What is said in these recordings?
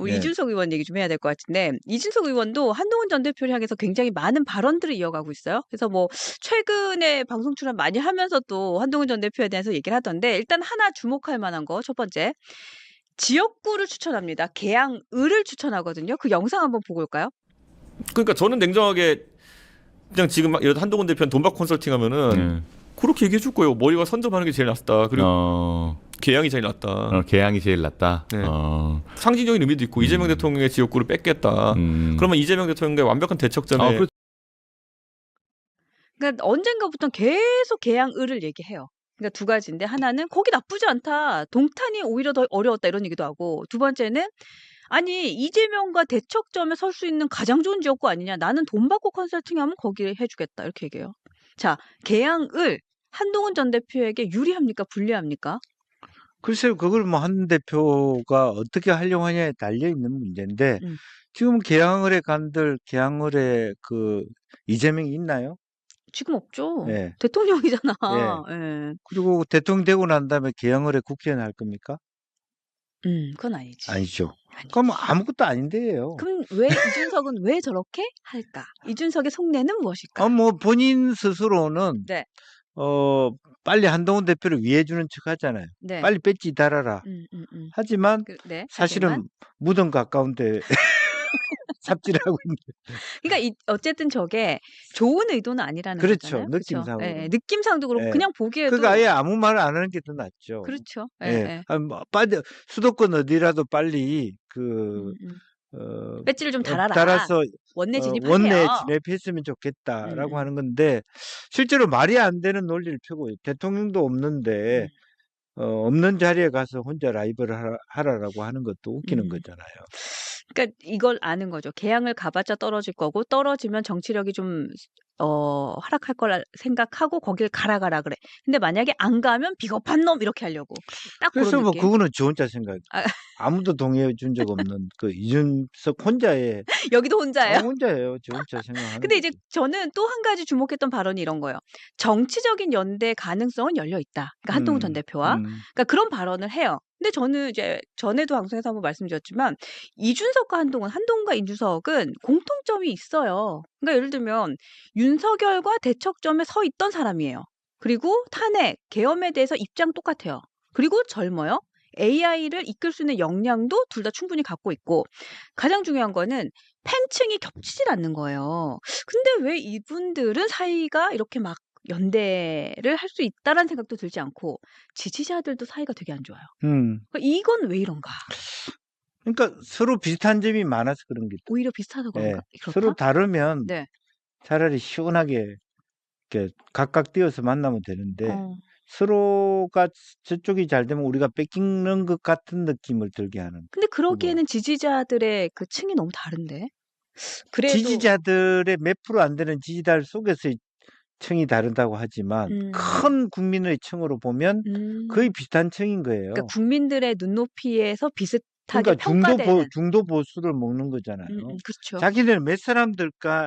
우리 네. 이준석 의원 얘기 좀 해야 될 것 같은데 이준석 의원도 한동훈 전 대표를 향해서 굉장히 많은 발언들을 이어가고 있어요. 그래서 뭐 최근에 방송 출연 많이 하면서도 한동훈 전 대표에 대해서 얘기를 하던데 일단 하나 주목할 만한 거 첫 번째. 지역구를 추천합니다. 계양을을 추천하거든요. 그 영상 한번 보고 올까요? 그러니까 저는 냉정하게 그냥 지금 막 한동훈 대표는 돈박 컨설팅 하면은 그렇게 얘기해 줄 거예요. 머리가 선점하는 게 제일 낫다. 그리고 계양이 제일 낫다. 계양이 제일 낫다. 네. 상징적인 의미도 있고 이재명 대통령의 지역구를 뺏겠다. 그러면 이재명 대통령의 완벽한 대척점에 그러니까 언젠가부터 계속 계양을을 얘기해요. 그러니까 두 가지인데 하나는 거기 나쁘지 않다. 동탄이 오히려 더 어려웠다 이런 얘기도 하고 두 번째는 아니 이재명과 대척점에 설 수 있는 가장 좋은 지역구 아니냐. 나는 돈 받고 컨설팅하면 거기 해주겠다 이렇게 얘기해요. 자, 계양을 한동훈 전 대표에게 유리합니까? 불리합니까? 글쎄요, 그걸 뭐 한 대표가 어떻게 활용하냐에 달려 있는 문제인데 지금 계양을에 간들 계양을에 그 이재명이 있나요? 지금 없죠. 예. 대통령이잖아. 예. 예. 그리고 대통령 되고 난 다음에 계양을에 국회의원 할 겁니까? 그건 아니지. 아니죠. 아니지. 그럼 아무것도 아닌데요. 그럼 왜 이준석은 왜 저렇게 할까? 이준석의 속내는 무엇일까? 뭐 본인 스스로는 네. 빨리 한동훈 대표를 위해 주는 척 하잖아요. 네. 빨리 배지 달아라. 하지만 네. 사실은 하지만 무덤 가까운데 삽질하고 있는. 그러니까 어쨌든 저게 좋은 의도는 아니라는 그렇죠. 거잖아요. 그렇죠? 느낌상으로. 예, 느낌상도 그렇고 예. 그냥 보기에도 그러니까 아예 아무 말을 안 하는 게 더 낫죠. 그렇죠. 예, 예. 예. 뭐 빨리 수도권 어디라도 빨리 배지를 좀 달아라. 달아서 원내 진입하세요. 원내에 진입했으면 좋겠다라고 하는 건데 실제로 말이 안 되는 논리를 펴고 대통령도 없는데 없는 자리에 가서 혼자 라이브를 하라라고 하는 것도 웃기는 거잖아요. 그러니까 이걸 아는 거죠. 계양을 가봤자 떨어질 거고 떨어지면 정치력이 좀 하락할 거라 생각하고 거길 가라 그래. 근데 만약에 안 가면 비겁한 놈 이렇게 하려고. 딱 그래서 그런 뭐 느낌. 그거는 저 혼자 생각. 아. 아무도 동의해 준 적 없는 그 이준석 혼자의. 여기도 혼자예요. 혼자예요. 저 혼자 생각하는. 근데 이제 저는 또 한 가지 주목했던 발언이 이런 거예요. 정치적인 연대 가능성은 열려 있다. 그러니까 한동훈 전 대표와. 그러니까 그런 발언을 해요. 근데 저는 이제 전에도 방송에서 한번 말씀드렸지만 이준석과 한동훈과 이준석은 공통점이 있어요. 그러니까 예를 들면 윤석열과 대척점에 서 있던 사람이에요. 그리고 탄핵, 계엄에 대해서 입장 똑같아요. 그리고 젊어요. AI를 이끌 수 있는 역량도 둘 다 충분히 갖고 있고 가장 중요한 거는 팬층이 겹치질 않는 거예요. 근데 왜 이분들은 사이가 이렇게 막 연대를 할 수 있다라는 생각도 들지 않고 지지자들도 사이가 되게 안 좋아요. 그러니까 이건 왜 이런가? 그러니까 서로 비슷한 점이 많아서 그런 게. 오히려 비슷해서 그런가? 그렇다? 서로 다르면 네. 차라리 시원하게 이렇게 각각 뛰어서 만나면 되는데 서로가 저쪽이 잘 되면 우리가 뺏기는 것 같은 느낌을 들게 하는. 근데 그러기에는 지지자들의 그 층이 너무 다른데. 그래도 지지자들의 몇 프로 안 되는 지지자들 속에서의 층이 다르다고 하지만 큰 국민의 층으로 보면 거의 비슷한 층인 거예요. 그러니까 국민들의 눈높이에서 비슷하게 그러니까 평가되는. 중도 보수를 먹는 거잖아요. 그렇죠. 자기들은 몇 사람들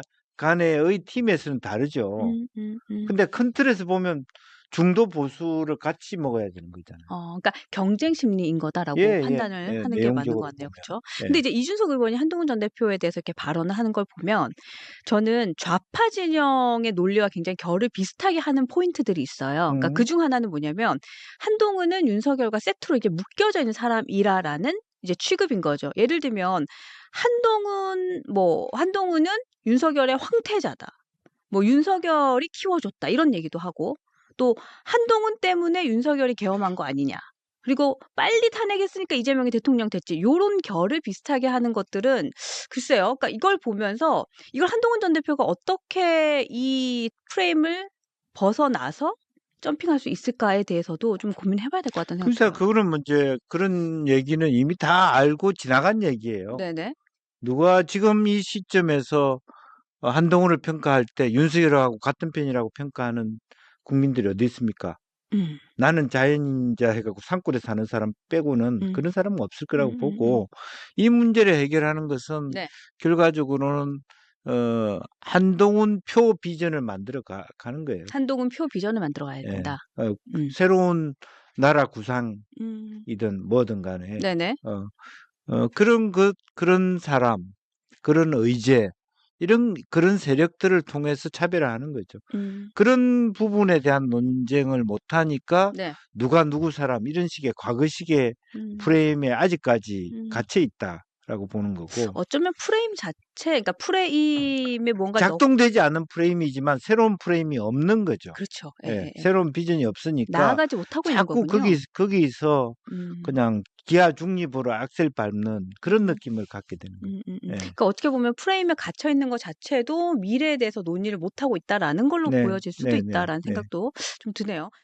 간의 팀에서는 다르죠. 근데 큰 틀에서 보면 중도 보수를 같이 먹어야 되는 거잖아요. 그러니까 경쟁 심리인 거다라고 판단을 하는 게 맞는 것 같네요. 그렇죠? 근데 이제 이준석 의원이 한동훈 전 대표에 대해서 이렇게 발언을 하는 걸 보면 저는 좌파 진영의 논리와 굉장히 결을 비슷하게 하는 포인트들이 있어요. 그러니까 그중 하나는 뭐냐면 한동훈은 윤석열과 세트로 이게 묶여져 있는 사람이라라는 이제 취급인 거죠. 예를 들면 한동훈은 윤석열의 황태자다. 뭐 윤석열이 키워줬다 이런 얘기도 하고 또 한동훈 때문에 윤석열이 계엄한 거 아니냐. 그리고 빨리 탄핵했으니까 이재명이 대통령 됐지. 요런 결을 비슷하게 하는 것들은 글쎄요. 그러니까 이걸 보면서 이걸 한동훈 전 대표가 어떻게 이 프레임을 벗어나서 점핑할 수 있을까에 대해서도 좀 고민해 봐야 될 것 같다는 생각이 그래서 들어요. 그거는 문제 그런 얘기는 이미 다 알고 지나간 얘기예요. 네네. 누가 지금 이 시점에서 한동훈을 평가할 때 윤석열하고 같은 편이라고 평가하는 국민들이 어디 있습니까? 나는 자연인자 해갖고 산골에 사는 사람 빼고는 그런 사람은 없을 거라고 보고 이 문제를 해결하는 것은 네. 결과적으로는 한동훈 표 비전을 만들어 가는 거예요. 한동훈 표 비전을 만들어 가야 된다. 새로운 나라 구상이든 뭐든 간에 네네. 그런 사람, 그런 의제, 그런 세력들을 통해서 차별화하는 거죠. 그런 부분에 대한 논쟁을 못하니까 네. 누가 누구 사람 이런 식의 과거식의 프레임에 아직까지 갇혀 있다라고 보는 거고. 어쩌면 프레임 자체, 그러니까 프레임에 뭔가 작동되지 않은 프레임이지만 새로운 프레임이 없는 거죠. 그렇죠. 예, 새로운 비전이 없으니까 나아가지 못하고 있는 자꾸 거군요. 거기서 그냥 기아 중립으로 악셀 밟는 그런 느낌을 갖게 되는 거예요. 예. 그러니까 어떻게 보면 프레임에 갇혀 있는 것 자체도 미래에 대해서 논의를 못하고 있다라는 걸로 네, 보여질 수도 네, 네, 있다라는 네. 생각도 좀 드네요.